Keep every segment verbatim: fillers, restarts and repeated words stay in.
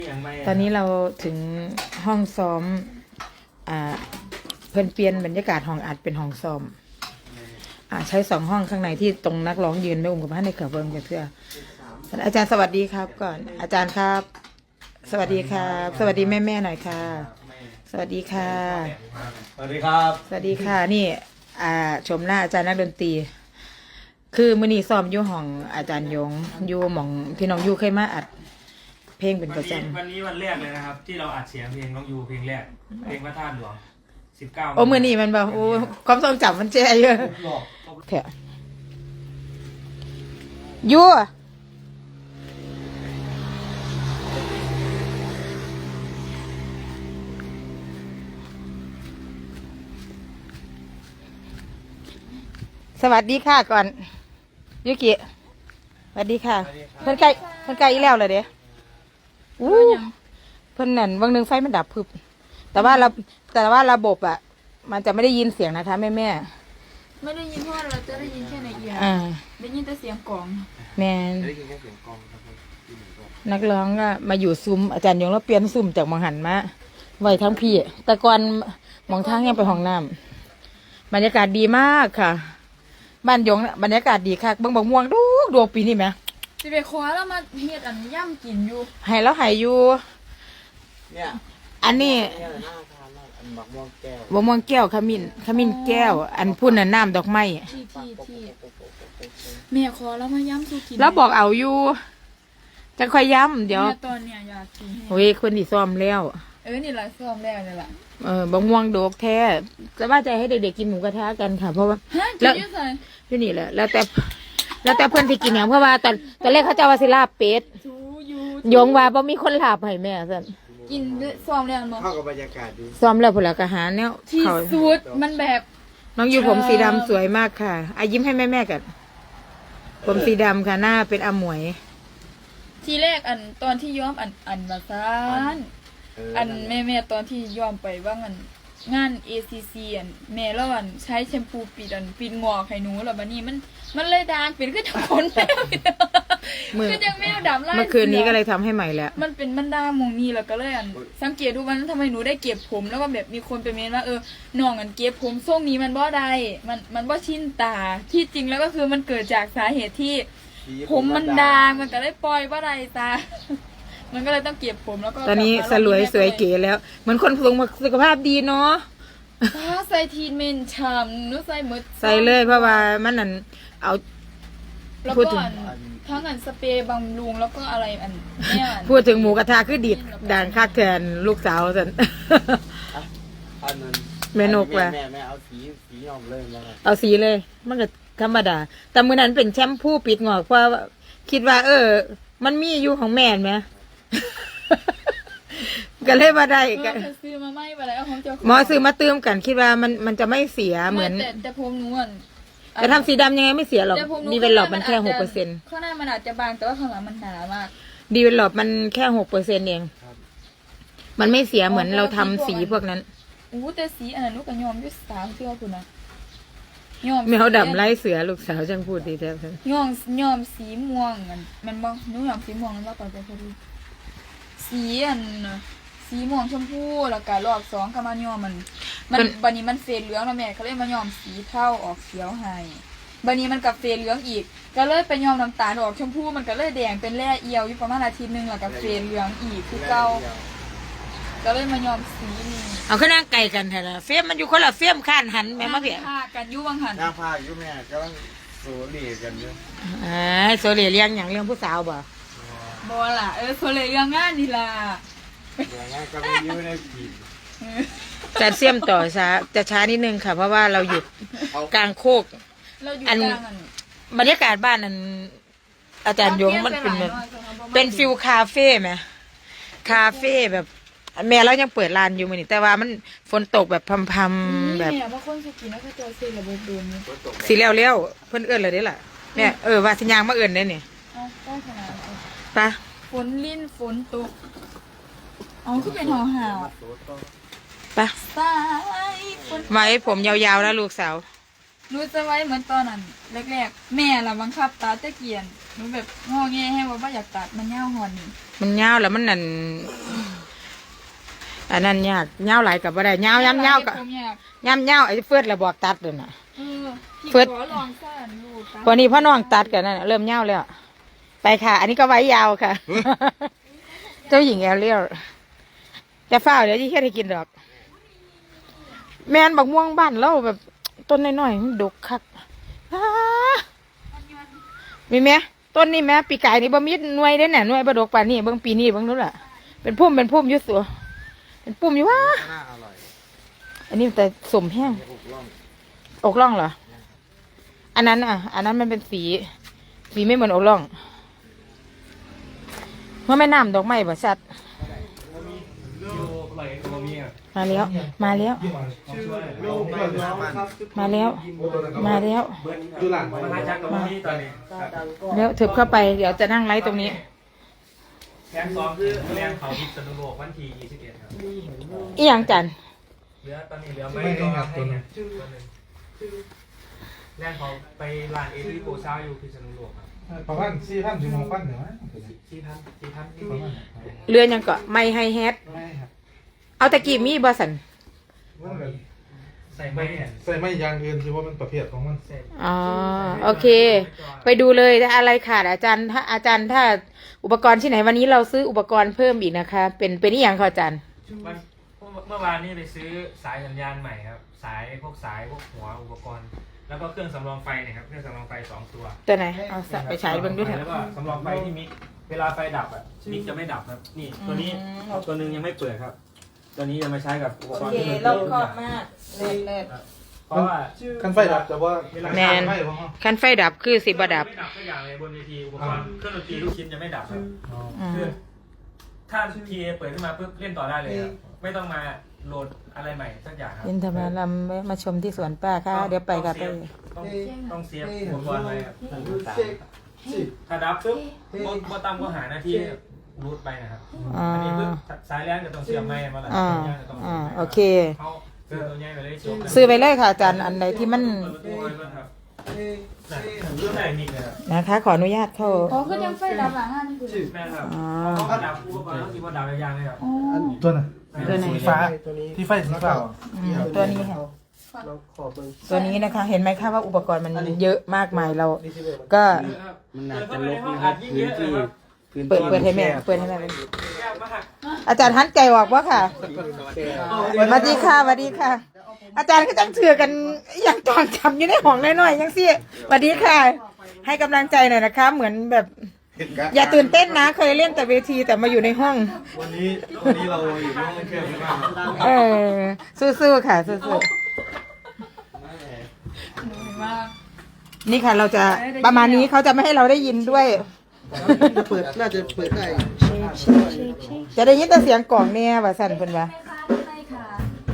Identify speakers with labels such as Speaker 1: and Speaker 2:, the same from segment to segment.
Speaker 1: ตอนนี้เราถึงห้องซ้อมอ่าเพิ่นเปลี่ยนบรรยากาศห้องอัดเป็นห้องซ้อมอ่าใช้สองห้องข้างในที่ตรงนักร้องยืนไม่อุ้มกับพระในเขือเบิ้งกันเพื่ออาจารย์สวัสดีครับก่อนอาจารย์ครับสวัสดีครับสวัสดีแม่แม่หน่อยค่ะสวัสดีค่ะ
Speaker 2: สวัสดีครับ
Speaker 1: สวัสดีค่ะนี่อ่าชมหน้าอาจารย์นักดนตรีคือมื้อนี้ซ้อมอยู่ห้องอาจารย์ยงอยู่หม่องที่น้องยูเคยมาอัดเพลงเป็นประจำ
Speaker 2: วันนี้วันแรกเลยนะครับที่เราอัดเสียงเพลงน้องยูเพลงแรกเพลงพระธาตุหลวงสิบเก้า
Speaker 1: โอ้มื้อนี้มันแบบโอ้ความทรงจำมันแจ่เยอะเถอะยูสวัสดีค่ะก่อนยูกิสวัสดีค่ะเพิ่นไกลเพิ่นไกลอีแล้วเลยเด้อู้เพิ่นนั่นวันหนึ่งไฟมันดับพึบแต่ว่าเราแต่ว่าระบบอ่ะมันจะไม่ได้ยินเสียงนะคะแม่แม่
Speaker 3: ไม่ได้ยินเพราะเราจะได้ยินแค่ในเอียร์ได้ยินแต่เสียงกลอง
Speaker 1: แมน
Speaker 2: ได้ยินแค่เสียงกลองครับ
Speaker 1: นักร้องก็มาอยู่ซุ้มอาจารย์ยงแล้วเปลี่ยนซุ้มจากมองหันมาไว้ทั้งพี่แต่ก่อนมองทางยังไปห้องน้ำบรรยากาศดีมากค่ะบ้านยงบรรยากาศดีค่ะเบิ่งบักม่วงดูดวงปีนี่ไหม
Speaker 3: สิไปคว้าแล้วมาเฮ็ดอันย่ำกินอยู่
Speaker 1: ให้แล้วหายอยู่
Speaker 2: เนี่ย
Speaker 1: อันนี้
Speaker 2: บักม่วงแก้ว
Speaker 1: บักม่วงแก้วขมิ้นขมิ้นแก้วอันพุ่นน่ะน้ำดอกไม้
Speaker 3: ที่ที่ที่แม่คว้าแล้วมาย่ำสู้กิน
Speaker 1: แล้วบอกเอาอยู่จะค่อยย้ำเดี๋ยว
Speaker 3: ตอนเนี้ยอยากกิน
Speaker 1: โอ้ยคนที่ซ้อมแล้ว
Speaker 3: เออนี่แหละซ้อมแล้วนี่แหละ
Speaker 1: เออบักม่วงโดกแท้จะว่าใจให้เด็กๆกินหมูกระทะกันค่ะเพราะว่า
Speaker 3: แล้ว
Speaker 1: ที่นี่แหละแล้วแต่แล้วแต่เพื่อนที่กินอย่างเพราะว่าตอนตอนแรกเขาจะว่าสิลาบเป็ดยงว่าบ่มีคนลาบให้แม่สั่น
Speaker 3: กินซ้อมแล้วมั้ง
Speaker 2: เข้ากับบรรยากาศดี
Speaker 1: ซ้อมแล้วผลกระหาเนี่ย
Speaker 3: ที่สุดมันแบบ
Speaker 1: น้องอยู่ผมสีดำสวยมากค่ะอายิ้มให้แม่แม่กันผมสีดำค่ะหน้าเป็นอมวย
Speaker 3: ทีแรกอันตอนที่ย้อมอันอันมาซานอันแม่แม่ตอนที่ย้อมไปว่างันงาน เอ ซี ซี อันแม่แล้วอันใช้แชมพูปิดอันปิดงอกให้หนูแล้วบัดนี้มันมันเลยด่างเป็นคือจังคนแมวคือจังแมวดำไล่
Speaker 1: เมื่อคืนนี้ก็เลยทำให้ใหม่แล้ว
Speaker 3: มันเป็นมันด่างมองนี้แล้วก็เลยอันสังเกตดูมันทำไมหนูได้เก็บผมแล้วก็แบบมีคนไปเมนว่าเออน้องอันเก็บผมทรงนี้มันบ่ได้มันมันบ่ชินตาที่จริงแล้วก็คือมันเกิดจากสาเหตุที่ผมมันด่างมันก็เลยปล่อยบ่ได้ตามันก็เลยต้องเก็บผมแล้วก็
Speaker 1: ตอนนี้สลวยสวยเก๋แล้วเหมือนคนสูงสุขภาพดีเนาะ
Speaker 3: ถ้าใส่ทีนเมนชามนู้ใส่หมด
Speaker 1: ใส่เลยเพราะว่ามันนั่นเอา
Speaker 3: พูดถึงทั้งอันสเปรย์บำรุงแล้วก็อะไรอันเนี่ย
Speaker 1: พูดถึงหมูกระทะคือดิดด่างคักแทนลูกสาวสันแม่นกว่ะ
Speaker 2: แม่แม่เอาสีสีออกเลย
Speaker 1: เอาสีเลยมันก็ธรรมดาแต่มือนั้นเป็นแชมพูปิดงอกเพราะคิดว่าเออมันมีอยู่ของแม่ไหมก็เลยมาได้
Speaker 3: กันซื้อมาไม่ไปแล้วของเจ้า
Speaker 1: หมอซื้อมาเติมกันคิดว่ามันมันจะไม่เสียเหมือน
Speaker 3: แต่แต่ผมนวล
Speaker 1: จะทำสีดำยังไงไม่เสียหรอกดีเวลลอปมันแค่หกเปอร์เซ็นต์
Speaker 3: ข้างหน้ามันอาจจะบางแต่ว่าข้างหลังมันหนามาก
Speaker 1: ดีเวลลอปมันแค่หกเปอร์เซ็นต์เองมันไม่เสียเหมือนเราทำสีพวกนั้น
Speaker 3: อู้แต่สีอันนั้นลูกกับยอมยุ่สาวเชื่อคุณนะ
Speaker 1: ยอมแมวดำไล่เสือลูกสาวจังพูดดีแท้
Speaker 3: ยอมยอมสีม่วงมันมันบ้างหนูยอมสีม่วงมันว่าก่อนจะพอดีสีอันสีม่วงชมพูแล้วก็รอบสองก็มายอมมันมันบันนี้มันเฟดเหลืองแล้วแม่เขาเลยมายอมสีเทาออกเขียวให้บันนี้มันกับเฟดเหลืองอีกก็เลยไปยอมน้ำตาลออกชมพูมันก็เลยแดงเป็นแร่เอียวอยู่ประมาณอาทิตย์นึงแล้วก็เฟดเหลืองอีกคือเก่าก็เลยมายอมสีนี่
Speaker 1: เอาขึ้นนั่งไก่กันเถอะเฟี้ยมมันอยู่คนละเฟี้ยมข้านหันแม่มาเพี้ย
Speaker 3: ผ้ากันยุ่บังหัน
Speaker 2: หน้าผ้ายุ่แม่ก็ต้องโซเลีกันเยอะ
Speaker 1: อ่าโซเลีเลี้ยงอย่างเรื่องผู้สาวบ่
Speaker 3: บ่ล่ะเออโซเลีเรื่องงานนี่ล่ะ
Speaker 2: ก็ไม่ยื้อได้ผี
Speaker 1: จะเสี่ยมต่อช้าจะช้านิดนึงค่ะเพราะว่าเราหยุดกลางโคกอันบรรยากาศบ้านนั้นอาจารย์ยงมันเป็นแบบเป็นฟิลคาเฟ่ไหมคาเฟ่แบบแม่เรายังเปิดร้านอยู่มือนี่แต่ว่ามันฝนตกแบบพำๆแบบสีเลี้ยวๆเพื่อนเอื้อนเลยได้ล่ะเนี่ยเออว่าสัญญาณมาเอื้อนได้เนี่ยปะ
Speaker 3: ฝนลิ้นฝนตกอ๋อคือเป็นห่อห่าว
Speaker 1: ปะไว้ผมยาวๆแล้วลูกสาว
Speaker 3: รู้จะไว้เหมือนตอนนั้นแรกๆแม่ละบังคับตาตะเกียนหนูแบบงอแงให้ว่าบ่อยากตัดมันยาวหอนนี่
Speaker 1: มันยาวแล้วมันนั่นอันนั้นยากยาวหลายกับบ่ได้ยาวย้ำยาวก็
Speaker 3: ผมอยาก
Speaker 1: ย้ำยาวไอ้เฟิร์ดระบอกตัดเลยน่ะ
Speaker 3: เออพี่
Speaker 1: เฟิร์ส
Speaker 3: ขอลองซ่านลูกตัด
Speaker 1: พอนี้พ่อน้องตัดกันนั่นน่ะเริ่มยาวแล้วไปค่ะ อันนี้ก็ไว้ยาวค่ะ เจ้าหญิงแอลเลียลจะเฝ้าเดี๋ยวที่เฮ็ดให้กินดอก แมนบักม่วงบ้านเราแบบต้นน้อยๆมันดกคักอ้ามีไหมต้นนี้ไหมปีกายนี่บ่มีหน่วยเด้น่ะหน่วยบ่ดกป่านนี้เบิ่งปีนี้เบิ่งนู้นล่ะเป็นพุ่มเป็นพุ่มอยู่สัวเป็นปุ่มอยู่ว่า
Speaker 4: น่าอร่อย
Speaker 1: อันนี้แต่สมแห้ง
Speaker 4: อกล่อง
Speaker 1: อกล่องเหรออันนั้นอ่ะ อันนั้นมันเป็นสีสีไม่เหมือนอกล่องเมื่อแม่น้ำดอกไม้บ่ชัด
Speaker 2: อยู่ไหลโมมีอ่ะ
Speaker 1: มาแล้ว มาแล้ว
Speaker 4: ลูกไม่น้ำมัน
Speaker 1: มาแล้ว มาแล้ว
Speaker 4: ดูหลัง
Speaker 2: มาหาจักกับโมมีตอนนี้
Speaker 1: แล้วถึบเข้าไปเดี๋ยวจะนั่งไลฟ์ตรงนี้
Speaker 2: แผนสองคือแรงเขาพิษณุโลกวันที่ยี่สิบเอ็ดครับ
Speaker 1: อีหยังจัน
Speaker 2: เหลือตอนนี้เหลือไม่ก็ให้เนี่ยตัวหนึ่งแรงเขาไปลานเอทีโกซาอยู่พิษณุโลกครับ
Speaker 5: ประมาณสี่พันถึงหกพันเหรอ
Speaker 2: สี่พันสี่พันนี่
Speaker 5: ประมาณ
Speaker 1: เรือยังเกาะไม่ให้แฮด
Speaker 5: ไม่ครับ
Speaker 1: เอาตะกี้มีบอสัน
Speaker 5: ว่าแบบ
Speaker 2: ใส่ไม่เนี่ย
Speaker 5: ใส่ไม่ยางอื่นคือว่ามันประเภทของมัน
Speaker 2: ใส่
Speaker 1: อ๋อโอเค ไปดูเลยถ้าอะไรขาดอาจารย์ถ้าอาจารย์ถ้าอุปกรณ์ที่ไหนวันนี้เราซื้ออุปกรณ์เพิ่มอีกนะคะ เป็นเป็นอีหยังคะอาจารย์
Speaker 2: วันเมื่อวานนี้ไปซื้อสายสัญญาณใหม่ครับ สายพวกสายพวกหัวอุปกรณ์ แล้วก็เครื่องสำรองไฟเนี่ยครับเครื่องสำรองไฟสองตัว
Speaker 1: ตัวไหนเอาสับไปฉายเบิ่งด้วยเถ
Speaker 2: แล้ว
Speaker 1: อะ
Speaker 2: ก็สำรองไฟที่มิกเวลาไฟดับอ่ะมิกจะไม่ดับครับ นี่ตัวนี้ตัวหนึงยังไม่เปิดครับ ตัวนี้จะมาใช้กับอุปกรณ์ที่มัน
Speaker 1: รอบคอบมากเลิศเลิศ
Speaker 2: เพราะว่า
Speaker 5: คันไฟดับแต่ว่า
Speaker 1: แมน
Speaker 5: ไฟของเขา
Speaker 1: คันไฟดับคือสิบดับ
Speaker 2: ไม่ดับทุกอย่างเลยบนเวทีอุปกรณ์เครื่องดนตรีทุกชิ้นจะไม่ดับครับ
Speaker 1: อืม
Speaker 2: คือถ้าพีเอเปิดขึ้นมาปุ๊บเล่นต่อได้เลยครับไม่ต้องมาโหลดอะไรใหม่สักอย่างครับ
Speaker 1: ยินธรรมลำแวะมาชมที่สวนป้าค่ะ เดี๋ยวไปกับไป
Speaker 2: ต้องต้องเซฟอุปกรณ์ไว้ครับถ้าดับปุ๊บโบโบตามก็หาหน้าที่รูดไปนะครับ
Speaker 1: อ่า
Speaker 2: อันนี้ปุ๊บสายแรงจะต้องเสียบไม้มาละ
Speaker 1: อ่า
Speaker 2: สายแรงจะต้อง
Speaker 1: อ่า
Speaker 2: สียบไม้
Speaker 1: โอเค
Speaker 2: เขาซื้อตัวใหญ่ไปเลยจบเลย
Speaker 1: ซื้อไปเลยค่ะอาจารย์อันไหนที่มัน
Speaker 2: เปิดประตูไว้ก่อนครับน่ะเรื่องไหนนิดเลยครับ
Speaker 1: นะคะ ขออนุญาตเข้า
Speaker 3: อ๋อคือยังไฟดับหลังอันนี้คือ
Speaker 2: แม่ครับ
Speaker 1: อ๋อ
Speaker 2: เขาก็ดับอุปกรณ์ต้องคิดว่าดับยางเลยครับ
Speaker 3: อ๋อ
Speaker 5: ตัวน่ะ
Speaker 1: ตัวไหน
Speaker 5: สีฟ้าที่ไฟสีฟ้า
Speaker 1: อืมตัวนี้ค่ะ ตัวนี้นะคะ เห็นไหมคะว่าอุปกรณ์มันเยอะมากมายเรา ก็
Speaker 4: มันน่าจะลกนะครับพื้นที่พื้น
Speaker 1: เปิด
Speaker 4: ที่
Speaker 1: เปิดให้แม่เปิดให้แม่
Speaker 2: แก้วมาก
Speaker 1: อาจารย์หันใจออกว่าค่ะสวัสดีค่ะสวัสดีค่ะ อาจารย์ก็จังเชื่อกันอย่างตอนจำอยู่ในห้องน้อยๆยังสิสวัสดีค่ะ ให้กำลังใจหน่อยนะคะ เหมือนแบบ อย่าตื่นเต้นนะ เคยเล่นแต่เวทีแต่มาอยู่ในห้อง
Speaker 5: วันนี้วันนี้เราอยู่ในห้องแคบมาก
Speaker 1: เออสู้ๆค่ะสู้
Speaker 3: หนูว่า
Speaker 1: ๆนี่ค่ะ เราจะประมาณนี้เขาจะไม่ให้เราได้ยินด้วย
Speaker 4: จะเปิดน่าจะเปิดได้
Speaker 1: จะได้ยินแต่เสียงกล่องเนี่ยว่าสั่นเพิ่นว่า
Speaker 3: แม่ค้าได้ค่ะ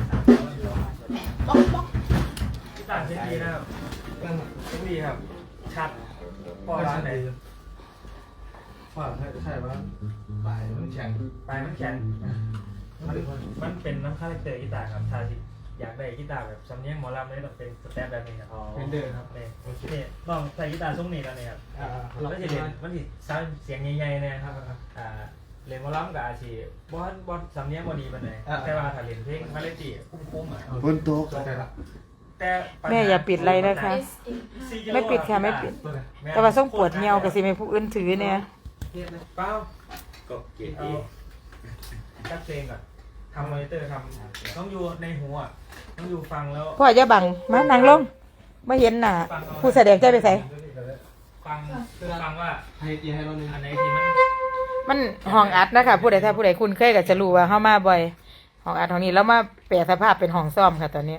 Speaker 2: ที่ต่างเช่นดีนะครับเช่นดีครับ ชัดพอร้านไหน
Speaker 5: ว่าใช่ป่ะปลายมันแข็ง
Speaker 2: ปลายมันแข็งมันมันเป็นน้ำคาแรคเตอร์กีตาร์ครับถ้าที่อยากได้กีตาร์แบบสำเนียงหมอลำเลยต้องเป็นสแตปแบบนี้ครับเป็นเดิมครับเนี่ยนี่ลองใส่กีตาร์ทรงนี้แล้วเนี่ยครับมันจะเล่นมันสิซาวเสียงใหญ่ๆนะครับอ่าเล่นหมอลำกับอาชีบอสบอสสำเนียงบอดีมันเลยแต่ว่าถ้าเล่นเพลงคาเลตี้คุ้มๆอ่ะ
Speaker 4: บนโต๊ะ
Speaker 5: เข้าใจละ
Speaker 2: แต่ปัญห
Speaker 1: แม่อย่าปิดอะไรนะคะ ไม่ปิดค่ะไม่ปิด
Speaker 5: ตัวไหน
Speaker 1: แต่ว่าส่งปวดเหี่ยวกับสิไม่ผู้อื่นถือเนี่ย
Speaker 2: เปล่า
Speaker 4: ก็เกียร
Speaker 2: เอา
Speaker 4: ติ
Speaker 2: จัดเพลงก่อนทำมอนิเตอร์ทำต้องอยู่ในหัวต้องอยู่ฟังแล้ว
Speaker 1: พ่ออย่าบังมานั่งลงไม่เห็นหน้าผู้แสดงใจไปใส่
Speaker 2: ฟังฟังว่า
Speaker 4: ให้ตีให้เราหนึ่ง
Speaker 2: อันไหนที่มัน
Speaker 1: มันห้องอัดนะคะผู้ใดถ้าผู้ใดคุ้นเคยก็จะรู้ว่าเข้ามาบ่อยห้องอัดห้องนี้แล้วมาแปลสภาพเป็นห้องซ่อมค่ะตอนนี้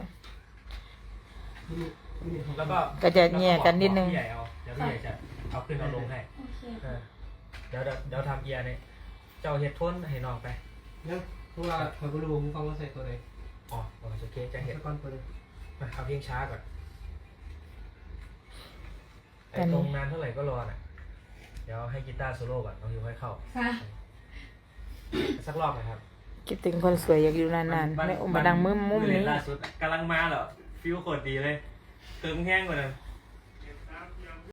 Speaker 2: แล้วก็
Speaker 1: ก็จะแยกกันนิดนึง
Speaker 2: พี่ใหญ่เอาเดี๋ยวพี่ใหญ่จะเอาขึ้นเอาลงให้เออเดี๋ยวเดี๋ยวเดี๋ยวทำเอียร์เนี่ยเจ้าเฮ็ดทนให้น้องไป
Speaker 6: เนี่ยเพราะว่าเขาก็รู้ผมฟังว่าใส่ตัวไหน
Speaker 2: อ๋อโอเคจะเฮ็ด
Speaker 6: ตะกอนเปิดเลย
Speaker 2: มาเอาเพลงช้าก่อนไอ้ตรงนานเท่าไหร่ก็รอน่ะเดี๋ยวให้กีตาร์โซโล่ก่อนน้องยูค่อยเข้า
Speaker 3: ค่ะ
Speaker 2: สักรอบนะครับ
Speaker 1: คิดถึงคนสวยอยากอยู่นานๆไม่อมมาดังมุมมุมนี้
Speaker 2: ล่าสุดกำลังมาเหรอฟิวโคตรดีเลยเติมแห้งกว่านั้น